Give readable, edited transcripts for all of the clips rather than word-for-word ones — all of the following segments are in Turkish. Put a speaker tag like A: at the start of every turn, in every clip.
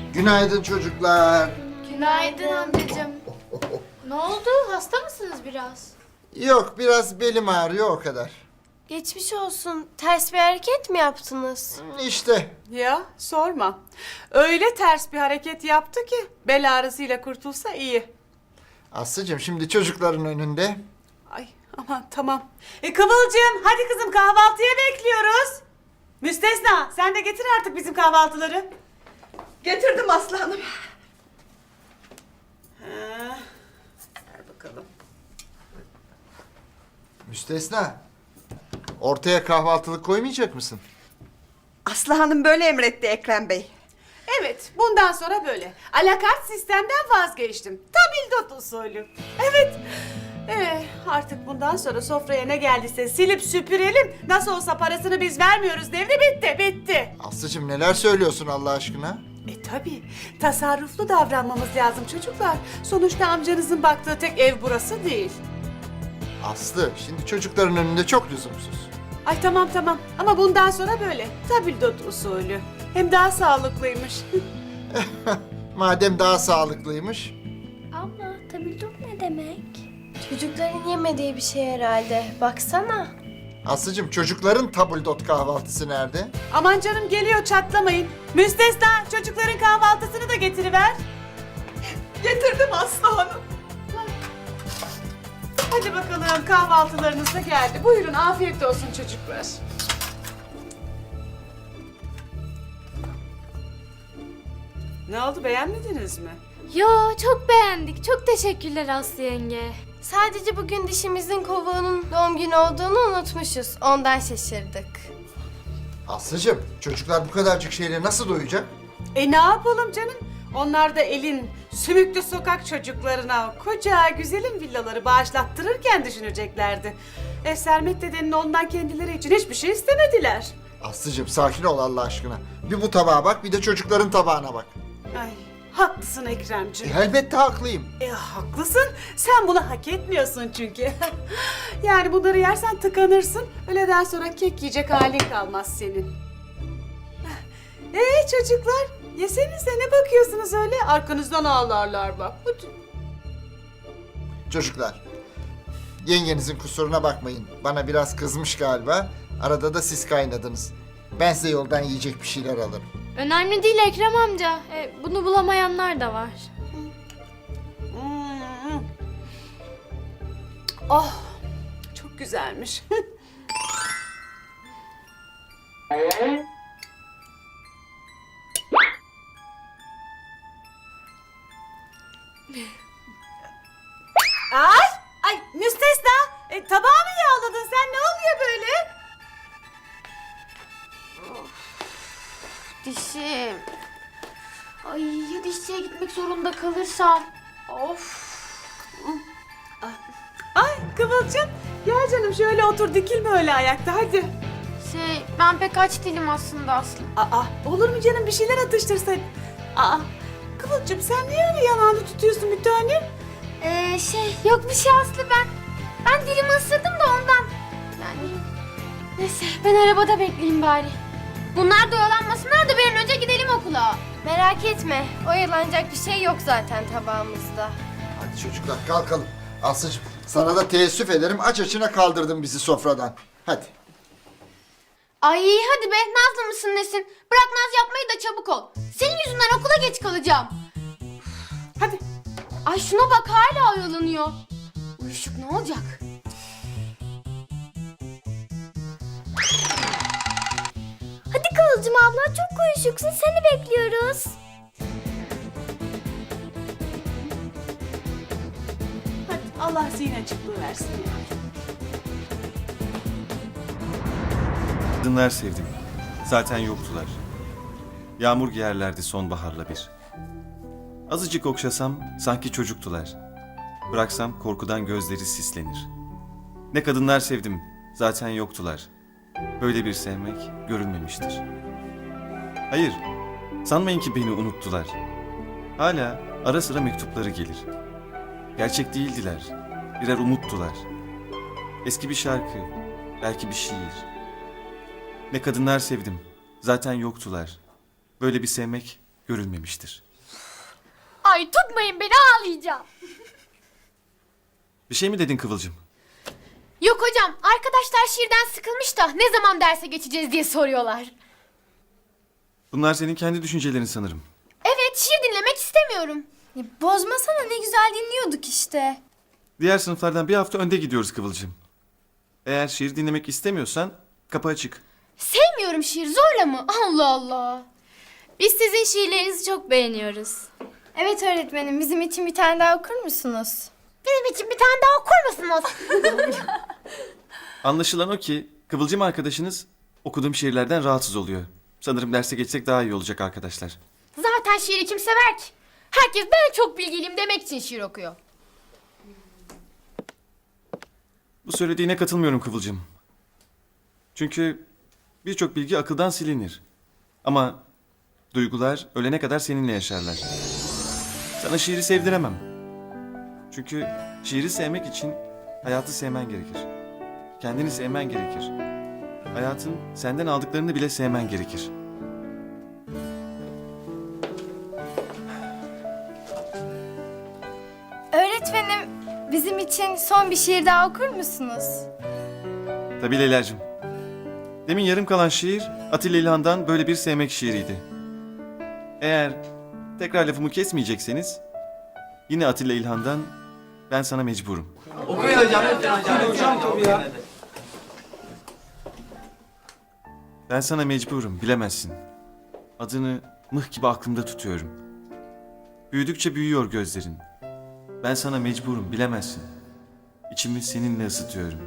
A: Günaydın çocuklar.
B: Günaydın amcacığım. Ne oldu? Hasta mısınız biraz?
A: Yok, biraz belim ağrıyor o kadar.
C: Geçmiş olsun. Ters bir hareket mi yaptınız?
A: İşte.
D: Ya sorma. Öyle ters bir hareket yaptı ki bel ağrısıyla kurtulsa iyi.
A: Aslıcığım şimdi çocukların önünde.
D: Ay aman tamam. Kıvılcım hadi kızım kahvaltıya bekliyoruz. Müstesna sen de getir artık bizim kahvaltıları.
E: Getirdim Aslı Hanım.
D: Ver bakalım.
A: Müstesna. Ortaya kahvaltılık koymayacak mısın?
E: Aslı Hanım böyle emretti Ekrem Bey.
D: Evet bundan sonra böyle. Alakart sistemden vazgeçtim. Tabildot usulü. Evet. Artık bundan sonra sofraya ne geldiyse silip süpürelim. Nasıl olsa parasını biz vermiyoruz devri bitti.
A: Aslıcığım neler söylüyorsun Allah aşkına?
D: Tabii. Tasarruflu davranmamız lazım çocuklar. Sonuçta amcanızın baktığı tek ev burası değil.
A: Aslı şimdi çocukların önünde çok lüzumsuz.
D: Ay tamam ama bundan sonra böyle. Tabildot usulü. Hem daha sağlıklıymış.
A: Madem daha sağlıklıymış.
C: Abla, tabildot ne demek? Çocukların yemediği bir şey herhalde. Baksana.
A: Aslıcığım çocukların tabuldot kahvaltısı nerede?
D: Aman canım geliyor çatlamayın. Müstesna çocukların kahvaltısını da getiriver.
E: Getirdim Aslı Hanım.
D: Hadi bakalım kahvaltılarınız da geldi. Buyurun afiyet olsun çocuklar. Ne oldu beğenmediniz mi?
B: Yo, çok beğendik. Çok teşekkürler Aslı yenge.
C: Sadece bugün dişimizin kovuğunun doğum günü olduğunu unutmuşuz. Ondan şaşırdık.
A: Aslıcığım çocuklar bu kadarcık şeyle nasıl doyacak?
D: Ne yapalım canım? Onlar da elin sümüklü sokak çocuklarına koca güzelim villaları bağışlattırırken düşüneceklerdi. Sermet dedenin ondan kendileri için hiçbir şey istemediler.
A: Aslıcığım sakin ol Allah aşkına. Bir bu tabağa bak bir de çocukların tabağına bak.
D: Ay haklısın Ekremciğim.
A: Elbette haklıyım.
D: Haklısın. Sen bunu hak etmiyorsun çünkü. Yani bunları yersen tıkanırsın. Öğleden sonra kek yiyecek halin kalmaz senin. Çocuklar, yesenize ne bakıyorsunuz öyle? Arkanızdan ağlarlar bak. Hadi.
A: Çocuklar, yengenizin kusuruna bakmayın. Bana biraz kızmış galiba. Arada da siz kaynadınız. Ben size yoldan yiyecek bir şeyler alırım.
B: Önemli değil Ekrem amca. Bunu bulamayanlar da var.
D: Hmm. Oh, çok güzelmiş. Ay müstesna. Tabağı mı yağladın sen? Ne oluyor böyle?
B: Dişim. Ay ya dişçiye gitmek zorunda kalırsam. Of.
D: Ay Kıvılcım. Gel canım şöyle otur dikilme öyle ayakta hadi.
B: Ben pek aç değilim aslında Aslı.
D: Olur mu canım bir şeyler atıştırsaydın. Kıvılcım sen niye öyle yanağını tutuyorsun bir tanem?
B: Yok bir şey Aslı ben dilimi ısırdım da ondan. Yani neyse ben arabada bekleyeyim bari. Bunlar da oyalanmasınlar da bir an önce gidelim okula.
C: Merak etme. Oyalanacak bir şey yok zaten tabağımızda.
A: Hadi çocuklar kalkalım. Aslıcığım sana da teessüf ederim. Aç açına kaldırdın bizi sofradan. Hadi.
B: Ay hadi be nazlı mısın nesin? Bırak naz yapmayı da çabuk ol. Senin yüzünden okula geç kalacağım.
D: Hadi.
B: Ay şuna bak hala oyalanıyor. Uyuşuk ne olacak?
C: Hadi Kıvılcım abla, çok uyuşuksun. Seni bekliyoruz.
D: Hadi Allah zihin açıklığı versin ya.
F: Kadınlar sevdim. Zaten yoktular. Yağmur giyerlerdi sonbaharla bir. Azıcık okşasam sanki çocuktular. Bıraksam korkudan gözleri sislenir. Ne kadınlar sevdim. Zaten yoktular. Böyle bir sevmek görülmemiştir. Hayır, sanmayın ki beni unuttular. Hala ara sıra mektupları gelir. Gerçek değildiler. Birer umuttular. Eski bir şarkı, belki bir şiir. Ne kadınlar sevdim. Zaten yoktular. Böyle bir sevmek görülmemiştir.
B: Ay tutmayın beni, ağlayacağım.
F: Bir şey mi dedin Kıvılcım?
B: Yok hocam, arkadaşlar şiirden sıkılmış da ne zaman derse geçeceğiz diye soruyorlar.
F: Bunlar senin kendi düşüncelerin sanırım.
B: Evet, şiir dinlemek istemiyorum.
C: Bozmasana, ne güzel dinliyorduk işte.
F: Diğer sınıflardan bir hafta önde gidiyoruz Kıvılcım. Eğer şiir dinlemek istemiyorsan kapı açık.
B: Sevmiyorum şiir, zorla mı? Allah Allah. Biz sizin şiirlerinizi çok beğeniyoruz.
C: Evet öğretmenim, bizim için bir tane daha okur musunuz?
B: Bizim için bir tane daha okur musunuz?
F: Anlaşılan o ki Kıvılcım arkadaşınız okuduğum şiirlerden rahatsız oluyor. Sanırım derse geçsek daha iyi olacak arkadaşlar.
B: Zaten şiiri kim sever ki? Herkes ben çok bilgiliyim demek için şiir okuyor.
F: Bu söylediğine katılmıyorum Kıvılcım. Çünkü birçok bilgi akıldan silinir. Ama duygular ölene kadar seninle yaşarlar. Sana şiiri sevdiremem. Çünkü şiiri sevmek için hayatı sevmen gerekir. Kendini sevmen gerekir. Hayatın senden aldıklarını bile sevmen gerekir.
C: Öğretmenim, bizim için son bir şiir daha okur musunuz?
F: Tabii Leyla'cığım. Demin yarım kalan şiir Atilla İlhan'dan böyle bir sevmek şiiriydi. Eğer tekrar lafımı kesmeyecekseniz yine Atilla İlhan'dan ben sana mecburum. Ben sana mecburum, bilemezsin. Adını mıh gibi aklımda tutuyorum. Büyüdükçe büyüyor gözlerin. Ben sana mecburum, bilemezsin. İçimi seninle ısıtıyorum.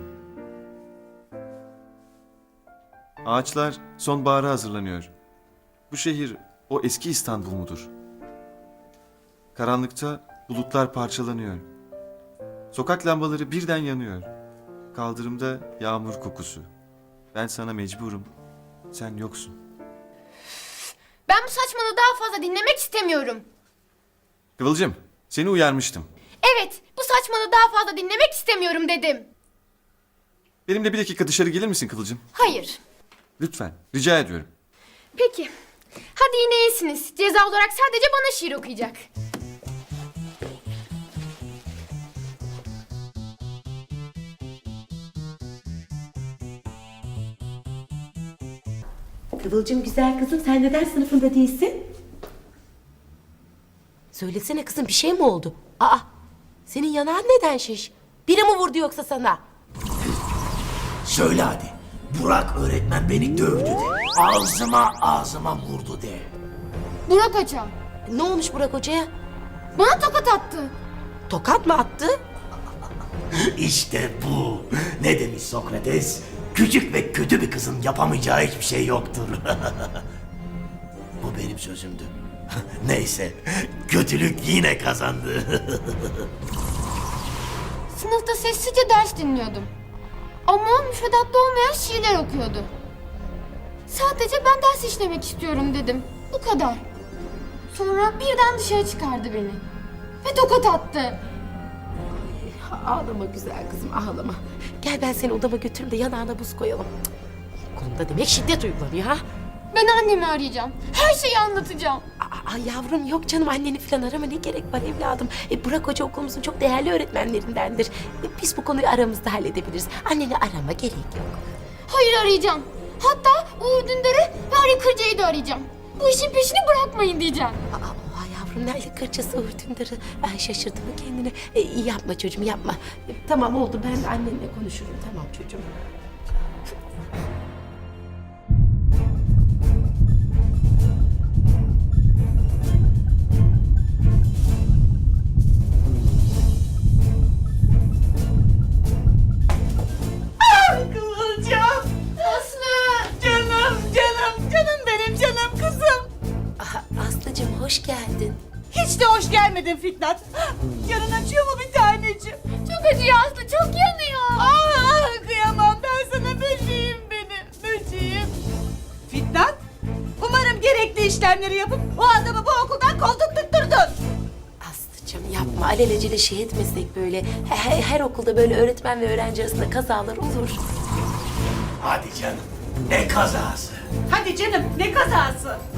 F: Ağaçlar sonbahara hazırlanıyor. Bu şehir o eski İstanbul mudur? Karanlıkta bulutlar parçalanıyor. Sokak lambaları birden yanıyor. Kaldırımda yağmur kokusu. Ben sana mecburum. Sen yoksun.
B: Ben bu saçmalığı daha fazla dinlemek istemiyorum.
F: Kıvılcım, seni uyarmıştım.
B: Evet, bu saçmalığı daha fazla dinlemek istemiyorum dedim.
F: Benimle bir dakika dışarı gelir misin Kıvılcım?
B: Hayır.
F: Lütfen, rica ediyorum.
B: Peki. Hadi yine iyisiniz. Ceza olarak sadece bana şiir okuyacak.
G: Kıvılcım güzel kızım, sen neden sınıfında değilsin? Söylesene kızım, bir şey mi oldu? Aa, senin yanağın neden şiş? Biri mi vurdu yoksa sana?
H: Söyle hadi. Burak öğretmen beni dövdü de. Ağzıma vurdu de.
B: Burak Hoca.
G: Ne olmuş Burak Hoca'ya?
B: Bana tokat attı.
G: Tokat mı attı?
H: İşte bu. Ne demiş Sokrates? Küçük ve kötü bir kızın yapamayacağı hiçbir şey yoktur. Bu benim sözümdü. Neyse, kötülük yine kazandı.
B: Sınıfta sessizce ders dinliyordum. Ama o müfredatta olmayan şiirler okuyordu. Sadece ben ders işlemek istiyorum dedim. Bu kadar. Sonra birden dışarı çıkardı beni. Ve tokat attı.
G: Ağlama güzel kızım, ağlama. Gel ben seni odama götüreyim de yanağına buz koyalım. Cık. Kolumda demek şiddet uygulanıyor ha?
B: Ben annemi arayacağım. Her şeyi anlatacağım.
G: Aa, yavrum yok canım, anneni falan arama, ne gerek var evladım. Burak Hoca okulumuzun çok değerli öğretmenlerindendir. Biz bu konuyu aramızda halledebiliriz. Anneni arama, gerek yok.
B: Hayır, arayacağım. Hatta Uğur Dündar'ı ve Ali Kırca'yı da arayacağım. Bu işin peşini bırakmayın diyeceğim.
G: Oha yavrum, nerede kırçası Uğurtündar'ı? Ay şaşırdı mı kendini? Yapma çocuğum, yapma. Tamam oldu, ben annenle konuşurum, tamam çocuğum.
D: Kıvılcım.
B: Aslı!
D: Canım benim canım kızım.
G: Aha, Aslıcığım hoş geldin.
D: Hiç de hoş gelmedin Fitnat. Canın acıyor mu bir taneciğim?
B: Çok acıyor Aslı, çok yanıyor.
D: Ah, kıyamam ben sana böceğim benim, böceğim. Fitnat, umarım gerekli işlemleri yapıp o adamı bu okuldan kovdurtturdun.
G: Aslıcığım yapma, alelacele şey etmesek böyle. Her okulda böyle öğretmen ve öğrenci arasında kazalar olur.
H: Hadi canım. Ne kazası.
D: Hadi canım, ne kazası?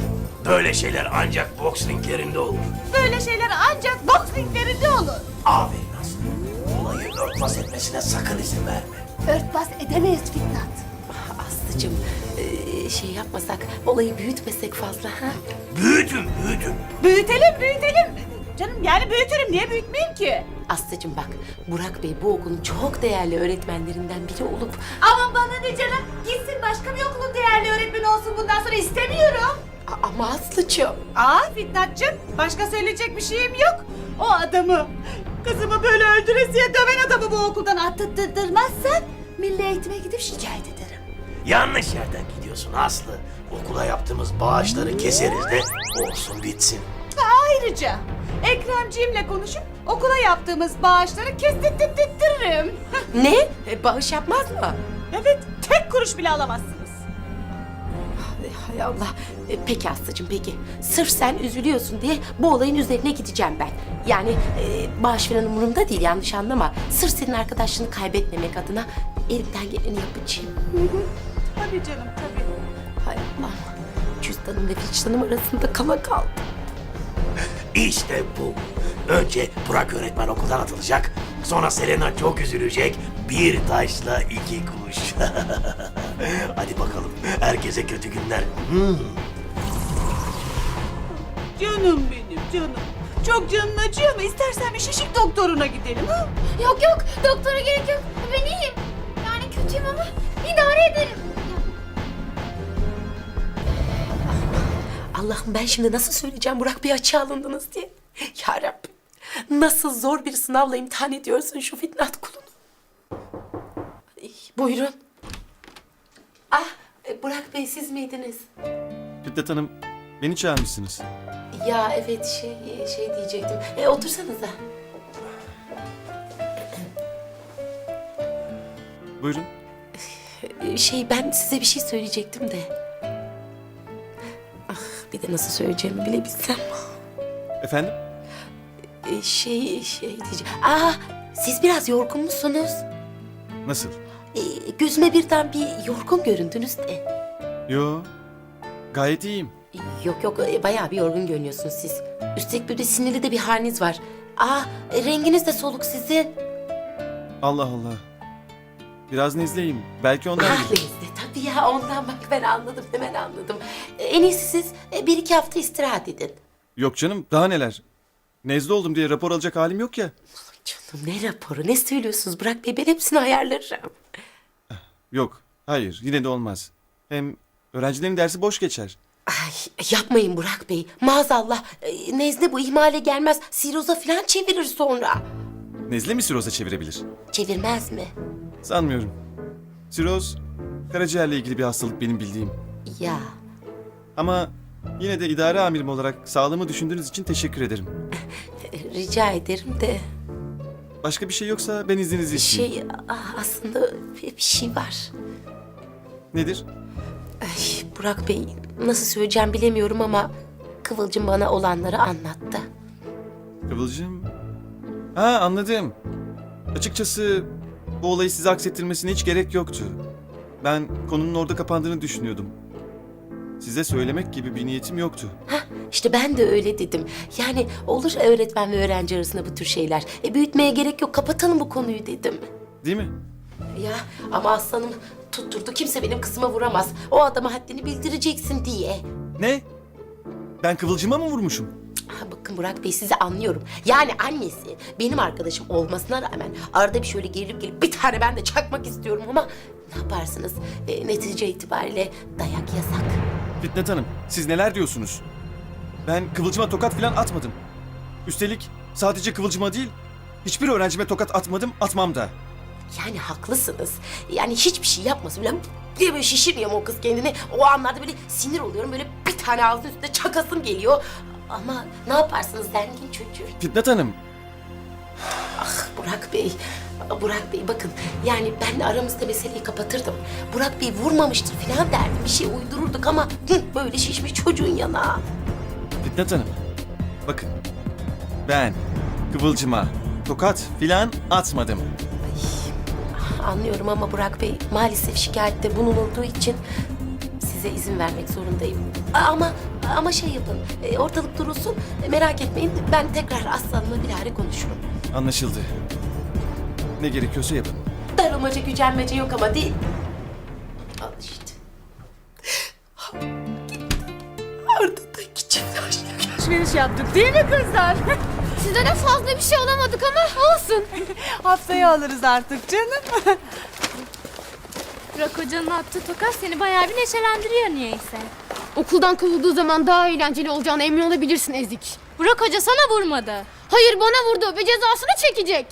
H: Böyle şeyler ancak boks ringlerinde olur.
D: Böyle şeyler ancak boks ringlerinde olur.
H: Aferin Aslı. Olayı örtbas etmesine sakın izin verme.
D: Örtbas edemeyiz Fitnat.
G: Aslıcığım şey yapmasak, olayı büyütmesek fazla ha?
H: Büyütün.
D: Büyütelim. Canım yani büyütürüm. Niye büyütmeyeyim ki?
G: Aslıcığım bak, Burak Bey bu okulun çok değerli öğretmenlerinden biri olup...
D: Aman bana ne canım. Gitsin başka bir okulun değerli öğretmeni olsun bundan sonra istemiyorum.
G: Ama Aslıcığım...
D: Fitnatçım, başka söyleyecek bir şeyim yok. O adamı, kızımı böyle öldüresiye döven adamı bu okuldan attırtmazsan milli eğitime gidip şikayet ederim.
H: Yanlış yerden gidiyorsun Aslı. Okula yaptığımız bağışları keseriz de olsun bitsin.
D: Ayrıca Ekremciğimle konuşup okula yaptığımız bağışları kestirttiririm.
G: Ne? Bağış yapmaz mı?
D: Evet, tek kuruş bile alamazsınız.
G: Hay Allah. Peki Aslıcığım peki. Sırf sen üzülüyorsun diye bu olayın üzerine gideceğim ben. Yani bağış falan umurumda değil, yanlış anlama. Sırf senin arkadaşlığını kaybetmemek adına elimden geleni yapacağım.
D: Tabii canım, tabii.
G: Hay Allah. Cüzdanım ve vicdanım arasında kala kaldım.
H: İşte bu. Önce Burak öğretmen okuldan atılacak. Sonra Selena çok üzülecek. Bir taşla iki kuş. Hadi bakalım. Herkese kötü günler.
D: Canım benim, canım. Çok canın acıyor mu? İstersen bir şişik doktoruna gidelim ha?
B: Yok doktora gerek yok. Ben iyiyim. Yani kötüyüm ama idare ederim.
G: Allah'ım ben şimdi nasıl söyleyeceğim Burak Bey açığa alındınız diye. Ya Rabbim nasıl zor bir sınavla imtihan ediyorsun şu Fitnat kulunu. Ay, buyurun. Burak Bey siz miydiniz?
F: Fitnat Hanım, beni çağırmışsınız.
G: Ya evet şey diyecektim. Otursanıza.
F: Buyurun.
G: Ben size bir şey söyleyecektim de. Ah bir de nasıl söyleyeceğimi bile bilsem.
F: Efendim?
G: Diyeceğim. Siz biraz yorgun musunuz?
F: Nasıl?
G: Gözüme birden bir yorgun göründünüz de.
F: Yo, gayet iyiyim.
G: Yok bayağı bir yorgun görünüyorsunuz siz. Üstelik böyle sinirli de bir haliniz var. Renginiz de soluk sizin.
F: Allah Allah. Biraz nezleyim. Belki ondan...
G: Neyse tabii ya ondan bak ben anladım hemen anladım. En iyisi siz 1-2 hafta istirahat edin.
F: Yok canım, daha neler. Nezle oldum diye rapor alacak halim yok ya.
G: Canım ne raporu ne söylüyorsunuz Burak Bey ben hepsini ayarlarım.
F: Yok, hayır, yine de olmaz. Hem öğrencilerin dersi boş geçer.
G: Ay yapmayın Burak Bey maazallah nezle bu ihmale gelmez siroza falan çevirir sonra.
F: Nezle mi siroza çevirebilir?
G: Çevirmez mi?
F: Sanmıyorum. Siroz, karaciğerle ilgili bir hastalık benim bildiğim.
G: Ya
F: Ama yine de idare amirim olarak sağlığımı düşündüğünüz için teşekkür ederim.
G: rica ederim de
F: Başka bir şey yoksa ben izninizi isteyeyim.
G: aslında bir şey var.
F: Nedir?
G: Ay, Burak Bey nasıl söyleyeceğim bilemiyorum ama Kıvılcım bana olanları anlattı.
F: Kıvılcım. Ha, anladım. Açıkçası bu olayı size aksettirmesine hiç gerek yoktu. Ben konunun orada kapandığını düşünüyordum. Size söylemek gibi bir niyetim yoktu.
G: İşte ben de öyle dedim. Yani olur öğretmen ve öğrenci arasında bu tür şeyler. Büyütmeye gerek yok kapatalım bu konuyu dedim.
F: Değil mi?
G: Ya ama aslanım tutturdu kimse benim kızıma vuramaz. O adama haddini bildireceksin diye.
F: Ne? Ben Kıvılcım'a mı vurmuşum?
G: Bakın Burak Bey sizi anlıyorum. Yani annesi benim arkadaşım olmasına rağmen arada bir şöyle gelip bir tane ben de çakmak istiyorum ama ne yaparsınız? Netice itibariyle dayak yasak.
F: Fitnat Hanım, siz neler diyorsunuz? Ben Kıvılcım'a tokat falan atmadım. Üstelik sadece Kıvılcım'a değil, hiçbir öğrencime tokat atmadım, atmam da.
G: Yani haklısınız. Yani hiçbir şey yapmasın bile diye böyle şişirmiyor mu o kız kendini? O anlarda böyle sinir oluyorum. Böyle bir tane ağzının üstüne çakasım geliyor. Ama ne yaparsınız zengin çocuğu?
F: Fitnat Hanım,
G: Burak Bey bakın yani ben aramızda meseleyi kapatırdım. Burak Bey vurmamıştır falan derdim. Bir şey uydururduk ama böyle şişmiş çocuğun yanağı.
F: Fitnat Hanım, bakın. Ben Kıvılcım'a tokat filan atmadım.
G: Anlıyorum ama Burak Bey maalesef şikayette bulunulduğu için size izin vermek zorundayım. Ama Ama şey yapın, ortalık durulsun. Merak etmeyin, ben tekrar Aslan'la bir ara konuşurum.
F: Anlaşıldı. Ne gerekiyorsa yapın.
G: Darılmaca, gücenmece yok ama değil. Al işte. Ardındaki çift aşk.
D: Alışveriş yaptık değil mi kızlar?
B: Size de fazla bir şey alamadık ama olsun.
D: Haftaya alırız artık canım.
I: Burak Hoca'nın attığı tokat seni bayağı bir neşelendiriyor niyeyse.
B: Okuldan kovulduğu zaman daha eğlenceli olacağına emin olabilirsin Ezik.
I: Burak Hoca sana vurmadı.
B: Hayır bana vurdu ve cezasını çekecek.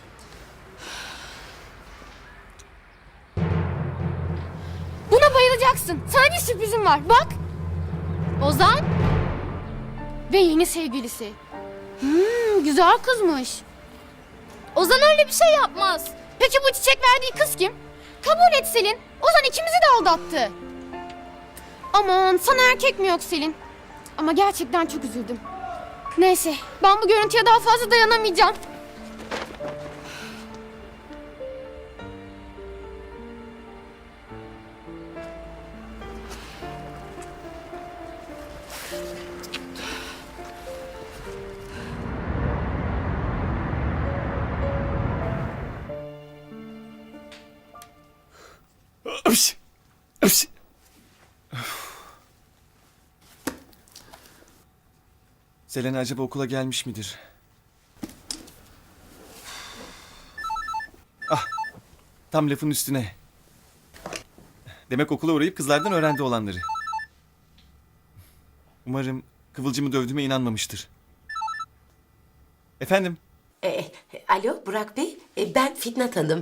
B: Buna bayılacaksın. Sana bir sürprizim var. Bak.
I: Ozan?
B: Ve yeni sevgilisi. Güzel kızmış.
I: Ozan öyle bir şey yapmaz.
B: Peki bu çiçek verdiği kız kim? Kabul et Selin. Ozan ikimizi de aldattı. Aman sana erkek mi yok Selin? Ama gerçekten çok üzüldüm. Neyse ben bu görüntüye daha fazla dayanamayacağım.
F: Öpş! Öpş! Selena acaba okula gelmiş midir? Ah! Tam lafın üstüne. Demek okula uğrayıp kızlardan öğrendi olanları. Umarım Kıvılcım'ı dövdüğüme inanmamıştır. Efendim?
G: Alo Burak Bey, ben Fitnat Hanım.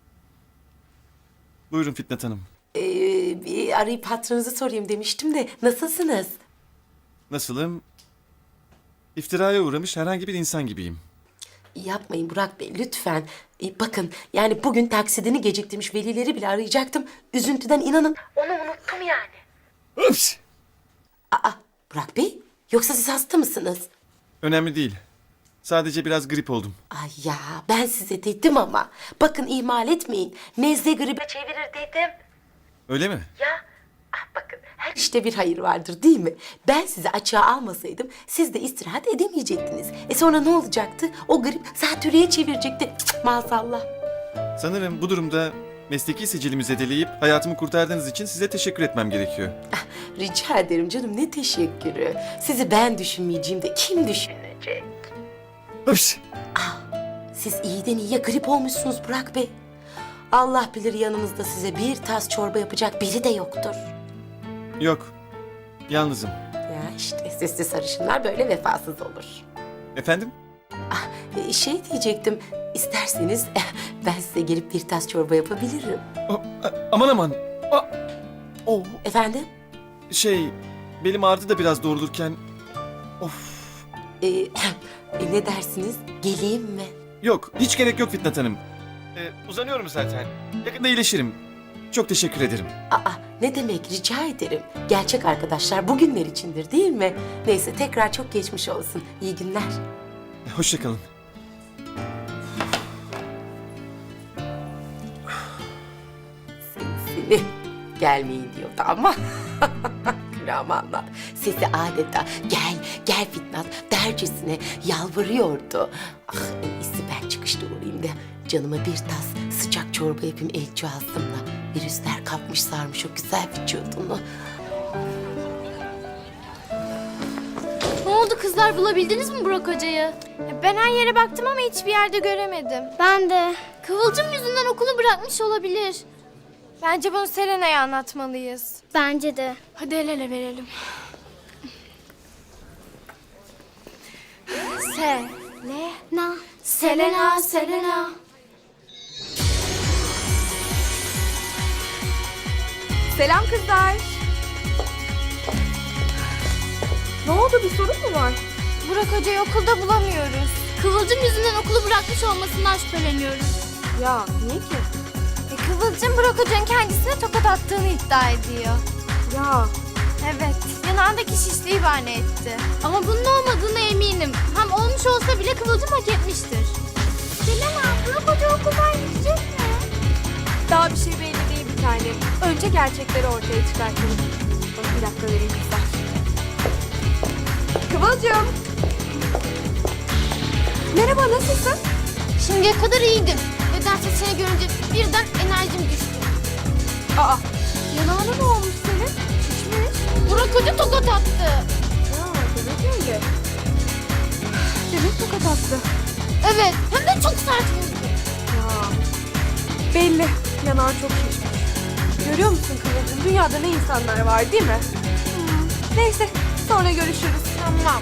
F: Buyurun Fitnat Hanım.
G: Bir arayıp hatırınızı sorayım demiştim de nasılsınız?
F: Nasılım? İftiraya uğramış herhangi bir insan gibiyim.
G: Yapmayın Burak Bey lütfen. Bakın yani bugün taksidini geciktirmiş velileri bile arayacaktım. Üzüntüden inanın onu unuttum yani.
F: Öpş!
G: Aa Burak Bey yoksa siz hasta mısınız?
F: Önemli değil. Sadece biraz grip oldum.
G: Ay ya ben size dedim ama. Bakın ihmal etmeyin. Nezle gribe çevirir dedim.
F: Öyle mi?
G: Ya bakın her işte bir hayır vardır değil mi? Ben sizi açığa almasaydım siz de istirahat edemeyecektiniz. Sonra ne olacaktı? O grip zatürreye çevirecekti. Cık, maazallah.
F: Sanırım bu durumda mesleki sicilimi zedeleyip hayatımı kurtardığınız için size teşekkür etmem gerekiyor.
G: Rica ederim canım ne teşekkürü. Sizi ben düşünmeyeceğim de kim düşünecek?
F: Öpş!
G: Siz iyiden iyiye grip olmuşsunuz Burak Bey. Allah bilir yanınızda size bir tas çorba yapacak biri de yoktur.
F: Yok. Yalnızım.
G: Ya işte sesli sarışınlar böyle vefasız olur.
F: Efendim?
G: Şey diyecektim, isterseniz ben size gelip bir tas çorba yapabilirim.
F: Aman aman. Oh.
G: Efendim?
F: Belim ağrıdı da biraz doğrulurken. Of.
G: Ne dersiniz? Geleyim mi?
F: Yok, hiç gerek yok Fitnat Hanım. Uzanıyorum zaten. Yakında iyileşirim. Çok teşekkür ederim.
G: Ne demek rica ederim. Gerçek arkadaşlar bugünler içindir değil mi? Neyse tekrar çok geçmiş olsun. İyi günler.
F: Hoşça kalın.
G: Seni gelmeyin diyordu ama. Amanlar. Sesi adeta gel Fitnat dercesine yalvarıyordu. En iyisi ben çıkışta uğrayayım da canıma bir tas sıcak çorba yapayım elçi ağzımla. Virüsler kapmış sarmış o güzel vücudunu.
I: Ne oldu kızlar, bulabildiniz mi Burak Hoca'yı?
C: Ben her yere baktım ama hiçbir yerde göremedim.
I: Ben de. Kıvılcım yüzünden okulu bırakmış olabilir.
C: Bence bunu Selena'ya anlatmalıyız.
I: Bence de. Hadi el ele verelim.
C: Selena, Selena.
E: Selam kızlar. Ne oldu, bir sorun mu var?
C: Burak Hoca'yı okulda bulamıyoruz.
I: Kıvılcım yüzünden okulu bırakmış olmasından şüpheleniyoruz.
E: Ya niye ki?
C: Kıvılcım Burak Hoca'nın kendisine tokat attığını iddia ediyor.
E: Ya
C: Evet, yanağındaki şişliği bahane etti.
I: Ama bunun olmadığına eminim. Hem olmuş olsa bile Kıvılcım hak etmiştir.
C: Selena, Burak Hoca okuldan gidecek mi?
E: daha bir şey belli değil bir tanem. Önce gerçekleri ortaya çıkartalım. Bir dakika vereyim kızlar. Kıvılcım. Merhaba, nasılsın?
B: Şimdiye kadar iyiydim. Nedense seni görünce birden enerjim düştü.
E: Aa, yanağına ne olmuş senin? Şişmiş.
B: Burak Hoca tokat attı.
E: Ya, demek öyle. Demek tokat attı.
B: Evet, hem de çok sert vurdu.
E: Ya, belli. Yanağın çok şişmiş. Görüyor musun Kıvılcım? Dünyada ne insanlar var değil mi? Neyse, sonra görüşürüz.
B: Tamam.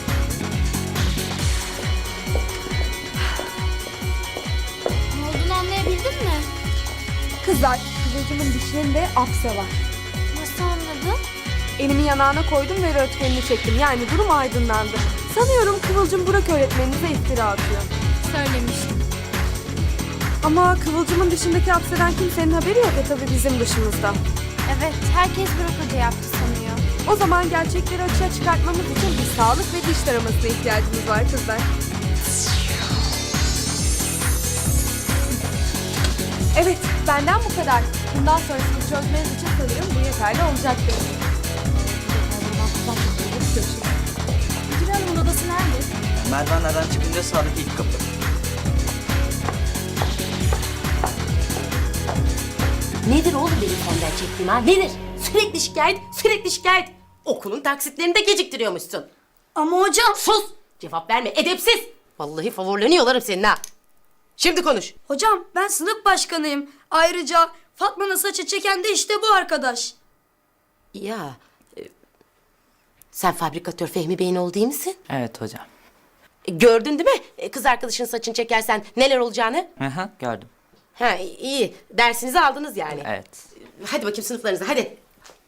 B: Ne olduğunu anlayabildin mi?
E: Kızlar, Kıvılcım'ın dişlerinde apse var.
B: Nasıl anladın?
E: Elimi yanağına koydum ve röntgenini çektim. Yani durum aydınlandı. Sanıyorum Kıvılcım Burak öğretmeninize iftira atıyor.
I: Söylemiştim.
E: Ama Kıvılcım'ın dışındaki apseden kimsenin haberi yok tabii bizim dışımızda.
I: Evet, herkes Burak Hoca yaptı sanıyor.
E: O zaman gerçekleri açığa çıkartmamız için bir sağlık ve diş taramasına ihtiyacımız var kızlar. Evet, benden bu kadar. Bundan sonrasını çözmeniz için sanırım bu yeterli olacaktır.
I: Müdür Hanım'ın odası nerede?
J: Merdivenlerden çıkınca sağdaki ilk kapı.
G: Nedir oğlum benim senden çektiğim ha? Nedir? Sürekli şikayet, sürekli şikayet. Okulun taksitlerini de geciktiriyormuşsun.
C: Ama hocam...
G: Sus! Cevap verme, edepsiz! Vallahi favorilerini yolarım senin ha. Şimdi konuş.
C: Hocam ben sınıf başkanıyım. Ayrıca Fatma'nın saçı çeken de işte bu arkadaş.
G: Ya, sen fabrikatör Fehmi Bey'in oğlu değil misin?
J: Evet hocam.
G: Gördün değil mi? Kız arkadaşın saçını çekersen neler olacağını?
J: Hı, gördüm.
G: Ha, iyi. Dersinizi aldınız yani.
J: Evet.
G: Hadi bakayım sınıflarınıza, hadi.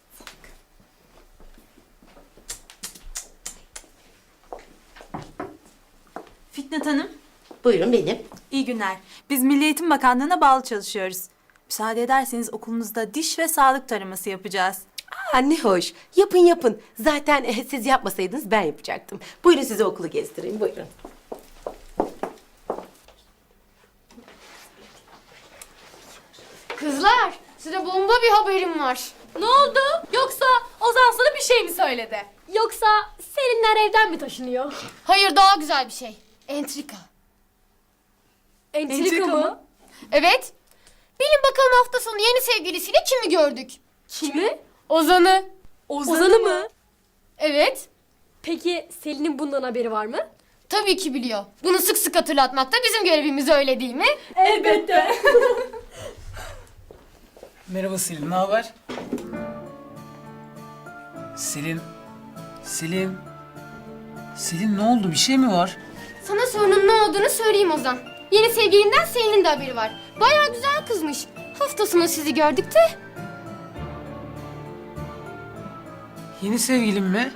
K: Fitnat Hanım,
G: Buyurun benim.
K: iyi günler. Biz Milli Eğitim Bakanlığı'na bağlı çalışıyoruz. Müsaade ederseniz okulunuzda diş ve sağlık taraması yapacağız.
G: Aa, ne hoş. Yapın yapın. Zaten siz yapmasaydınız ben yapacaktım. Buyurun size okulu gezdireyim, buyurun.
B: Kızlar, size bomba bir haberim var.
I: Ne oldu? Yoksa Ozan sana bir şey mi söyledi? Yoksa Selinler evden mi taşınıyor?
B: Hayır, daha güzel bir şey. Entrika.
I: Entrika mı?
B: Evet. Bilin bakalım hafta sonu yeni sevgilisiyle kimi gördük?
I: Kimi?
B: Ozan'ı.
I: Ozan'ı mı?
B: Evet.
I: Peki Selin'in bundan haberi var mı?
B: Tabii ki biliyor. Bunu sık sık hatırlatmak da bizim görevimiz, öyle değil mi?
I: Elbette.
L: Merhaba Selin, ne haber? Selin... Selin ne oldu? Bir şey mi var?
B: Sana sorunun ne olduğunu söyleyeyim Ozan. Yeni sevgilinden Selin'in de haberi var. Bayağı güzel kızmış. Hafta sonu sizi gördük de.
L: Yeni sevgilim mi?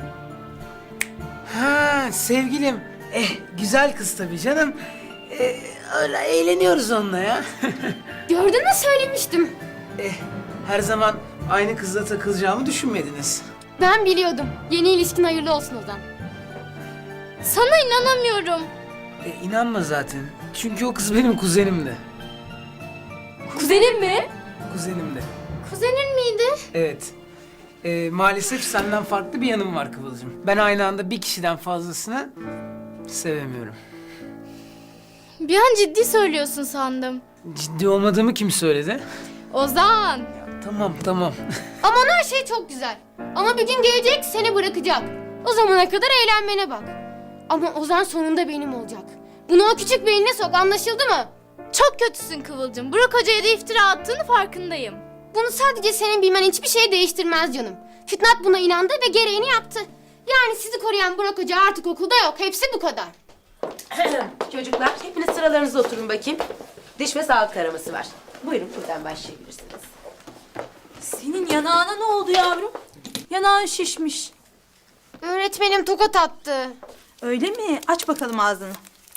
L: Ha, sevgilim. Güzel kız tabii canım. Öyle eğleniyoruz onunla ya.
B: Gördün mü, söylemiştim.
L: Her zaman aynı kızla takılacağımı düşünmediniz.
B: Ben biliyordum. Yeni ilişkin hayırlı olsun Ozan.
I: Sana inanamıyorum.
L: İnanma zaten. Çünkü o kız benim kuzenimdi.
I: Kuzenin mi?
L: Kuzenimdi.
B: Kuzenin miydi?
L: Evet. Maalesef senden farklı bir yanım var Kıvılcım. Ben aynı anda bir kişiden fazlasını sevemiyorum.
I: Bir an ciddi söylüyorsun sandım.
L: Ciddi olmadığımı kim söyledi?
I: Ozan.
L: Tamam.
B: Aman her şey çok güzel. Ama bir gün gelecek, seni bırakacak. O zamana kadar eğlenmene bak. Ama Ozan sonunda benim olacak. Bunu o küçük beynine sok, anlaşıldı mı?
I: Çok kötüsün Kıvılcım. Burak Hoca'ya da iftira attığını farkındayım.
B: Bunu sadece senin bilmen hiçbir şey değiştirmez canım. Fitnat buna inandı ve gereğini yaptı. Yani sizi koruyan Burak Hoca artık okulda yok. Hepsi bu kadar.
G: Çocuklar, hepiniz sıralarınıza oturun bakayım. Diş ve sağlık taraması var. Buyurun, buradan başlayabilirsiniz.
K: Senin yanağına ne oldu yavrum? Yanağın şişmiş.
B: Öğretmenim tokat attı.
K: Öyle mi? Aç bakalım ağzını.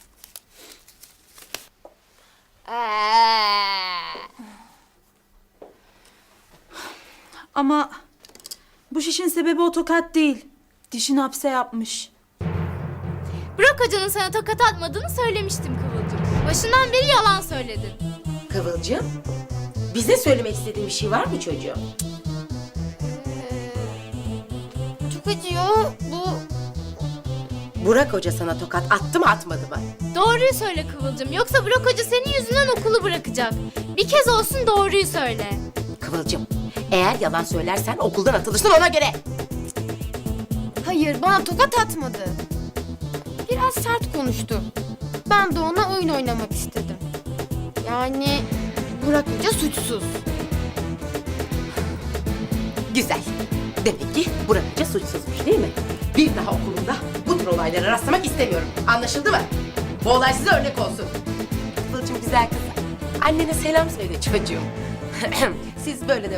K: Ama bu şişin sebebi o tokat değil. Dişin hapse yapmış.
I: Burak Hoca'nın sana tokat atmadığını söylemiştim Kıvılcım. Başından beri yalan söyledin.
G: Kıvılcım, bize söylemek istediğin bir şey var mı çocuğum?
B: Çok acıyor.
G: Burak Hoca sana tokat attı mı atmadı mı?
I: Doğruyu söyle Kıvılcım. Yoksa Burak Hoca senin yüzünden okulu bırakacak. Bir kez olsun doğruyu söyle.
G: Kıvılcım, eğer yalan söylersen okuldan atılırsın ona göre.
B: Hayır, bana tokat atmadı. Biraz sert konuştu. Ben de ona oyun oynamak istedim. Yani Burak Hoca suçsuz.
G: Güzel. Demek ki Burak Hoca suçsuzmuş değil mi? Bir daha okulumda bu tür olaylara rastlamak istemiyorum. Anlaşıldı mı? Bu olay size örnek olsun. Kıvılcım güzel kız. Annene selam söyle çocuğum. Siz böyle de